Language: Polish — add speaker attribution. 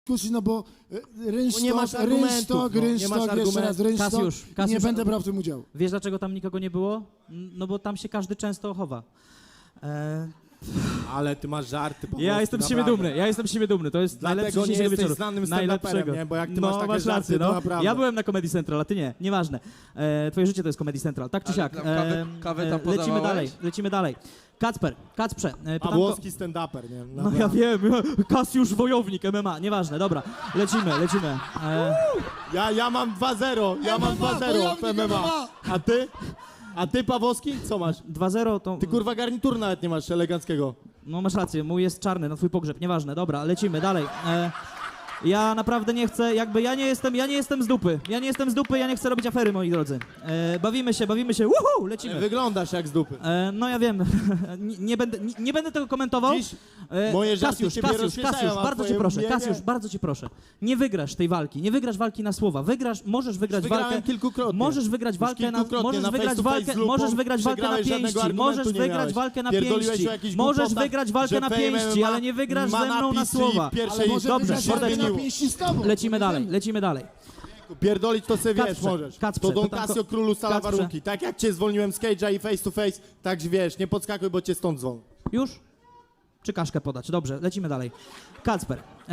Speaker 1: dyskusji, no bo
Speaker 2: nie masz argumentów,
Speaker 1: rynsztok, jeszcze raz rynsztok,
Speaker 3: Kasiusz,
Speaker 1: nie będę brał w tym udziału.
Speaker 3: Wiesz, dlaczego tam nikogo nie było? No bo tam się każdy często chowa.
Speaker 2: Ale ty masz żarty po
Speaker 3: Ja
Speaker 2: prostu,
Speaker 3: jestem z siebie
Speaker 2: naprawdę.
Speaker 3: dumny, ja jestem z siebie dumny, to jest najlepszy
Speaker 2: Dlatego nie
Speaker 3: dzisiejszego
Speaker 2: jesteś
Speaker 3: wieczoru.
Speaker 2: znanym stand-uperem,
Speaker 3: Najlepszego.
Speaker 2: nie? Bo jak ty
Speaker 3: no,
Speaker 2: masz takie
Speaker 3: masz
Speaker 2: żarty,
Speaker 3: rację,
Speaker 2: to
Speaker 3: no.
Speaker 2: naprawdę.
Speaker 3: Ja byłem na Comedy Central, a ty nie, nieważne. Twoje życie to jest Comedy Central, tak czy
Speaker 4: Ale
Speaker 3: siak.
Speaker 4: tam kawę tam
Speaker 3: lecimy dalej. Kacprze, pytanko...
Speaker 2: Pawłowski stand-uper, nie?
Speaker 3: No ja wiem, Kasiusz Wojownik, MMA, nieważne, dobra, lecimy.
Speaker 2: Ja mam 2-0, ja mam 2-0 w MMA. A ty? A ty, Pawłowski, co masz?
Speaker 3: 2-0 to...
Speaker 2: Ty kurwa garnitur nawet nie masz eleganckiego.
Speaker 3: No masz rację, mój jest czarny na twój pogrzeb, nieważne, dobra, lecimy dalej. Ja naprawdę nie chcę, ja nie jestem z dupy, ja nie chcę robić afery, moi drodzy. Bawimy się, lecimy.
Speaker 2: Wyglądasz jak z dupy.
Speaker 3: No ja wiem, nie będę tego komentował.
Speaker 2: Dziś moje żarty ciebie
Speaker 3: Kasiusz,
Speaker 2: rozśmieszają, a
Speaker 3: bardzo cię
Speaker 2: twoje
Speaker 3: proszę,
Speaker 2: mnie
Speaker 3: Kasiusz,
Speaker 2: nie.
Speaker 3: bardzo cię proszę. Nie wygrasz tej walki, nie wygrasz walki na słowa. Możesz wygrać
Speaker 2: Wygrałem
Speaker 3: walkę.
Speaker 2: kilkukrotnie.
Speaker 3: Możesz wygrać
Speaker 2: Już
Speaker 3: walkę na
Speaker 2: kilkukrotnie
Speaker 3: możesz
Speaker 2: na
Speaker 3: wygrać
Speaker 2: face to face
Speaker 3: walkę,
Speaker 2: z lupą,
Speaker 3: możesz wygrać walkę na
Speaker 2: przegrałeś, żadnego
Speaker 3: pięści,
Speaker 2: argumentu
Speaker 3: możesz
Speaker 2: nie
Speaker 3: wygrać
Speaker 2: miałeś.
Speaker 3: walkę na
Speaker 2: Pierdoliłeś
Speaker 3: pięści.
Speaker 2: o jakichś
Speaker 3: Możesz
Speaker 2: głupotach,
Speaker 3: wygrać walkę
Speaker 2: że
Speaker 3: na
Speaker 2: Fame
Speaker 3: pięści,
Speaker 2: MMA
Speaker 3: ale nie wygrasz
Speaker 2: ma
Speaker 3: ze mną na
Speaker 2: napisy i
Speaker 3: słowa.
Speaker 2: pierwszej-
Speaker 1: Ale może
Speaker 3: Dobrze,
Speaker 1: wygrać walkę na
Speaker 3: Mordeczku.
Speaker 1: pięści z tobą.
Speaker 3: Lecimy dalej.
Speaker 2: Pierdolić to sobie wiesz,
Speaker 3: Kacprze,
Speaker 2: możesz.
Speaker 3: Kacprze,
Speaker 2: To Don
Speaker 3: pytanko-
Speaker 2: Casio królu stala
Speaker 3: Kacprze.
Speaker 2: warunki. Tak jak cię zwolniłem z cage'a i face to face, tak wiesz, nie podskakuj, bo cię stąd zwolnię.
Speaker 3: Już? Czy kaszkę podać? Dobrze, lecimy dalej. Kacper,